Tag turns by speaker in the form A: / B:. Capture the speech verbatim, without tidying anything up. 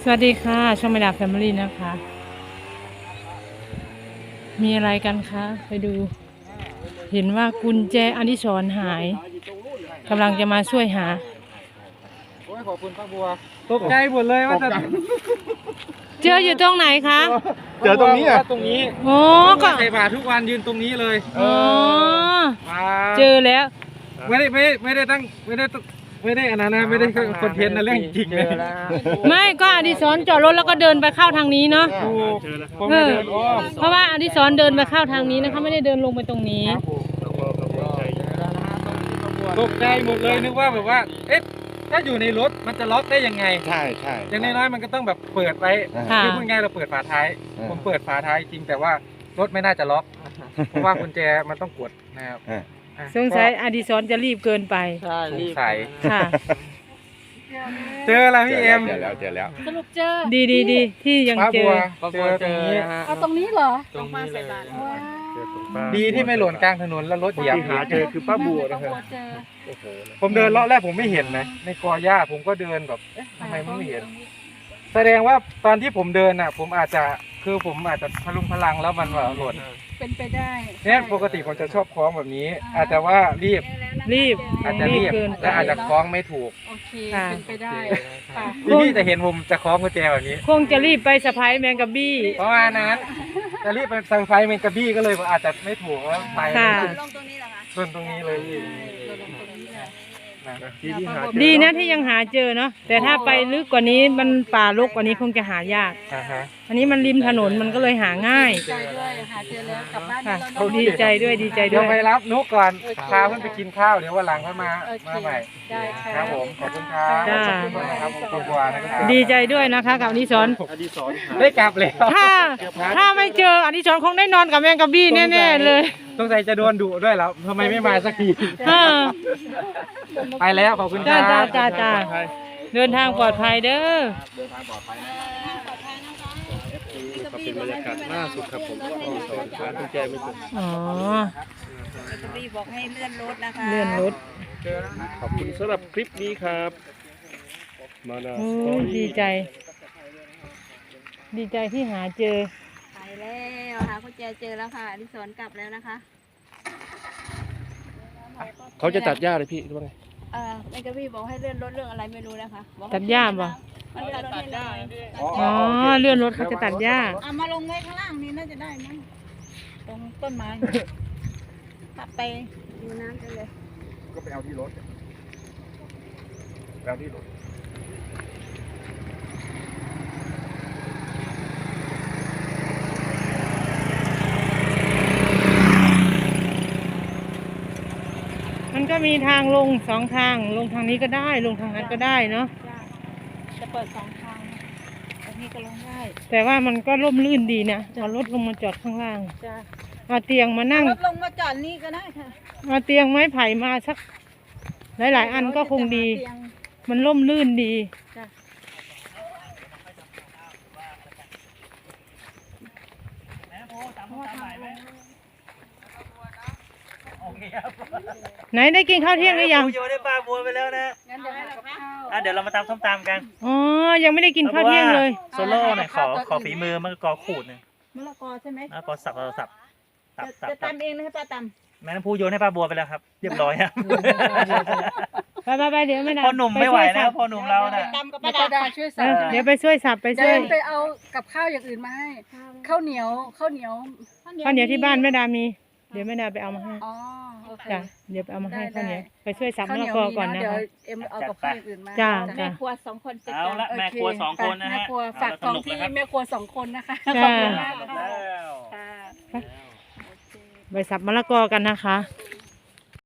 A: วัสดีค่ะช่องแม่ดาแฟมิลี่นะคะ มีอะไรกันคะไปดู เห็นว่ากุญแจอดิศรหายกำลังจะมาช่วยหา
B: โอ้ยขอบคุณป้าบัวตกใจหมดเลยว่าจะ
A: เจออยู่ตรงไหนคะ
B: เจอตรงนี้อ่ะตรงนี้
A: โอ้ก็
B: ใส่บาตรทุกวันยืนตรงนี้เลย
A: อ๋อ
B: มา
A: เจอแล้ว
B: ไม่ได้ไม่ไม่ได้ตั้งไม่ได้ไม่ได้อันนั้นนะไม่ได้คอนเทนต์นะเรื่องจริงเลย
A: ไม่ก็อดิศรจอดรถแล้วก็เดินไปเข้าทางนี้เนาะ
B: ถูกผม
A: เอ
B: ไม่
A: อ
B: เดินอ้อม
A: เพราะว่าอดิศรเดินไปเข้าทางนี้นะคะไม่ได้เดินลงไปตรงนี้
B: ตกใจหมดเลยนึกว่าแบบว่าเอ๊ะถ้าอยู่ในรถมันจะล็อกได้ยังไง
C: ใช่ใช่
B: อย่างน้อยๆมันก็ต้องแบบเปิดไว้
A: ค่ะ
B: คือพูดง่ายเราเปิดฝาท้าย
C: อ่า
B: ผมเปิดฝาท้ายจริงแต่ว่ารถไม่น่าจะล็อก เพราะว่ากุญแจมันต้องกดนะครับ
C: อ่า
B: อ่ะ
A: สงสัยอดิศรจะรีบเกินไป
B: สงสัย
A: ค่ะ
B: เจอแล้วพี่เอ็ม
C: เจอแล้วเจอแล้ว
D: สรุปเจอ
A: ดีดีดีที่ยัง
B: ป้า
A: เจ
B: บั
A: อ
B: วเจอตรงนี้
D: เอาตรงนี้เหรอ
B: ตรงนี้เลย
D: ว้าว
B: ดีที่ไม่หล่นกลางถนนแล้วรถเหยียบ
C: หาเจอคือป้าบัวนะครับ
D: เจอ
C: โอ้โห
B: ผมเดินเลาะแรกผมไม่เห็นนะในกอหญ้าผมก็เดินแบบเอ๊ะทำไมมันไม่เห็น แสดงว่าตอนที่ผมเดินน่ะ ผมอาจจะคือผมอาจจะพลุงพลังแล้วมันว่าหล่น
D: เป็นไปได้
B: เนี่ยปกติผมจะชอบคล้องแบบนี้ อาจจะว่ารีบ
A: รีบ
B: อาจจะรีบ
A: เกินไป
B: และอาจจะคล้องไม่ถูก
D: โอเค
A: ค่ะ
D: เป็นไปได้ค่ะ
B: ที่นี่จะเห็นผมจะคล้องกุญแจแบบนี้
A: คงจะรีบไปสะพายแมงกะบี้
B: เพราะว่านั้นจะรีบไปเซอร์ไพรส์เมนกระบี้ก็เลยอาจจะไม่ถูกว่าไป
A: ค่ะ
D: ลงตรงนี้เหรอคะ
B: ส่วนตรงนี้เลยพี่
D: เราลงตรงนี้เลย
B: นะ
C: ที่ที่หาเจอ
A: ดีนะที่ยังหาเจอเนาะแต่ถ้าไปลึกกว่านี้มันป่ารกกว่านี้คงจะหายาก
B: อ่าฮะ
A: อันนี้มันริมถนนมันก็เลยหาง่าย
D: ดีใจด้วยหาเจอแล้วกลับบ้าน
A: ค่ะ
D: แล้วเนอะ
A: ดีใจด้วยดีใจ
B: เดี๋
A: ด้
B: ยว
A: วย
B: ไปรับนุกก่อนพาเพื่อนไปกินข้าวเดี๋ยววันหลังค่อยมา
D: โอเค
B: มาใหม่
D: ได้ค่ะ
B: ครับผมขอบคุณครับ
A: จ้า
B: ขอบคุณนะครับขอบคุณบัวนะครับ
A: ดีใจด้วยนะคะกับอดิศร
C: อดีศรหา
B: ได้กลับแล้ว
A: ถ้าถ้าไม่เจออดิศรคงได้นอนกับแมงกะบี้แน่ๆเลย
B: สงสัยจะโดนดุด้วยแล้วทำไมไม่มาสักที
A: เออ
B: ไปแล้วขอบคุณค
A: จ้า
B: รับ
A: จ้าจ้าจ้าเดินทางปลอดภัยเด้อ
C: ก็เป็นบรรยากาศล่าสุดครับผมอดีศรหากุญแจไม่เจอ
A: อ๋อ
D: รีบบอกให้เลื่อนรถนะคะ
A: เลื่อนรถ
C: ขอบคุณสำหรับคลิปนี้ครับ มาดา
A: โอ้
C: สตอย รี่
A: ดีใจ ดีใจที่หาเจอ
D: ไปแล้วหากุญแจเจอแล้วค่ะอดิศรกลับแล้วนะคะ
C: เขาจะตัดหญ้าเลยพี่หรือว่าไง
D: เอ่อแมกกาพี่บอกให้เลื่อนรถเรื่องอะไรไม่รู้นะคะบอกให้
A: ตัดหญ้าบ่
D: มันตัดรถให้เลย
A: อ๋อเลื่อนรถเขาจะตัดหญ้า
D: เอามาลงไว้ข้างล่างนี่น่าจะได้มั้งตรงต้นไม้ขับไปดูน้ำกันเลย
C: ก็ไปเอาที่รถแล้วที่รถ
A: มันก็มีทางลงสองทางลงทางนี้ก็ได้ลงทางนั้นก็ได้เนาะ
D: จะเปิดสองทางนะตรงนี้ก็ลงได้
A: แต่ว่ามันก็ร่มรื่นดีนะเอารถลงมาจอดข้างล่าง
D: จ้ะ
A: เอาเตียงมานั่ง
D: รถลงมาจอดนี่ก็ได้ค่ะ
A: เอาเตียงไม้ไผ่มาสัก หลายๆ อันก็คงดี
D: เตียง
A: มันร่มรื่นดี
D: จ้ะ
A: ไหนได้กินข้าวเที่ยงหรือยัง
E: โยนได้ปลาบัวไปแล้วนะ
D: งั้นเดี๋ยวให้เราเข้า
E: อ่ะเดี๋ยวเรามาตำส้มตำกัน
A: อ๋อยังไม่ได้กินข้าวเที่ยงเลย
E: โซโล่หน่อยขอขอฝีมือมะละกอขูดหนึ่ง
D: มะละกอใช่ไหม
E: มะละกอสับสับสับสับ
D: จะ
E: สับ
D: จะ
E: สับ
D: ตำเองนะให้ป้าตำ
E: แม่น้ำพูโยนให้ปลาบัวไปแล้วครับ เรียบร้อยครับ
A: ไปไปไปเดี๋ยวไม่นาน
E: พ่อหนุ่มไม่ไหวแล้วพ่อหนุ่มเราน่ะ
D: ตำกับป้าดาช่วย
A: เอ
D: สับ
A: อเดี๋ยวไปช่วยสับไปช่
D: เดิ
A: วย
D: นไปเอากับข้าวอย่างอื่นมาให้ข้าวเหนียวข้าวเหนียว
A: ข้าวเหนียวที่บ้านแม่ดามี เดี๋ยวแม่ดาไปเอามาให้
D: อ๋อโอเค
A: จ้ะเดี๋ยวไปเอามาให้
D: ได้
A: ข้าวเหนียว
D: ได้
A: ไปช่วยสับ
D: ข้าม
A: ะ
D: วเห
A: ละ
D: นียว
A: กอ
D: มี
A: ก่อน
D: เนาะ
A: นะ
D: เดี๋ยว
A: คะ
D: เอ็มเอากับข้าวอย่างอื่นมา
A: จ้า
D: แม่ครัวสองคนจัด
E: เอา
D: การ
E: ละ
D: โอ
E: แม่
D: เค
E: ครัวสองคนนะฮะ
D: แม่ครัวฝากของที่แม่ครัวสองคนนะคะข
A: จ้า
D: อบคุณมาก
E: แล้
D: ค่ะ
E: ว
D: ค่ะ
A: ไปสับมะละกอกันนะคะ
D: โอเค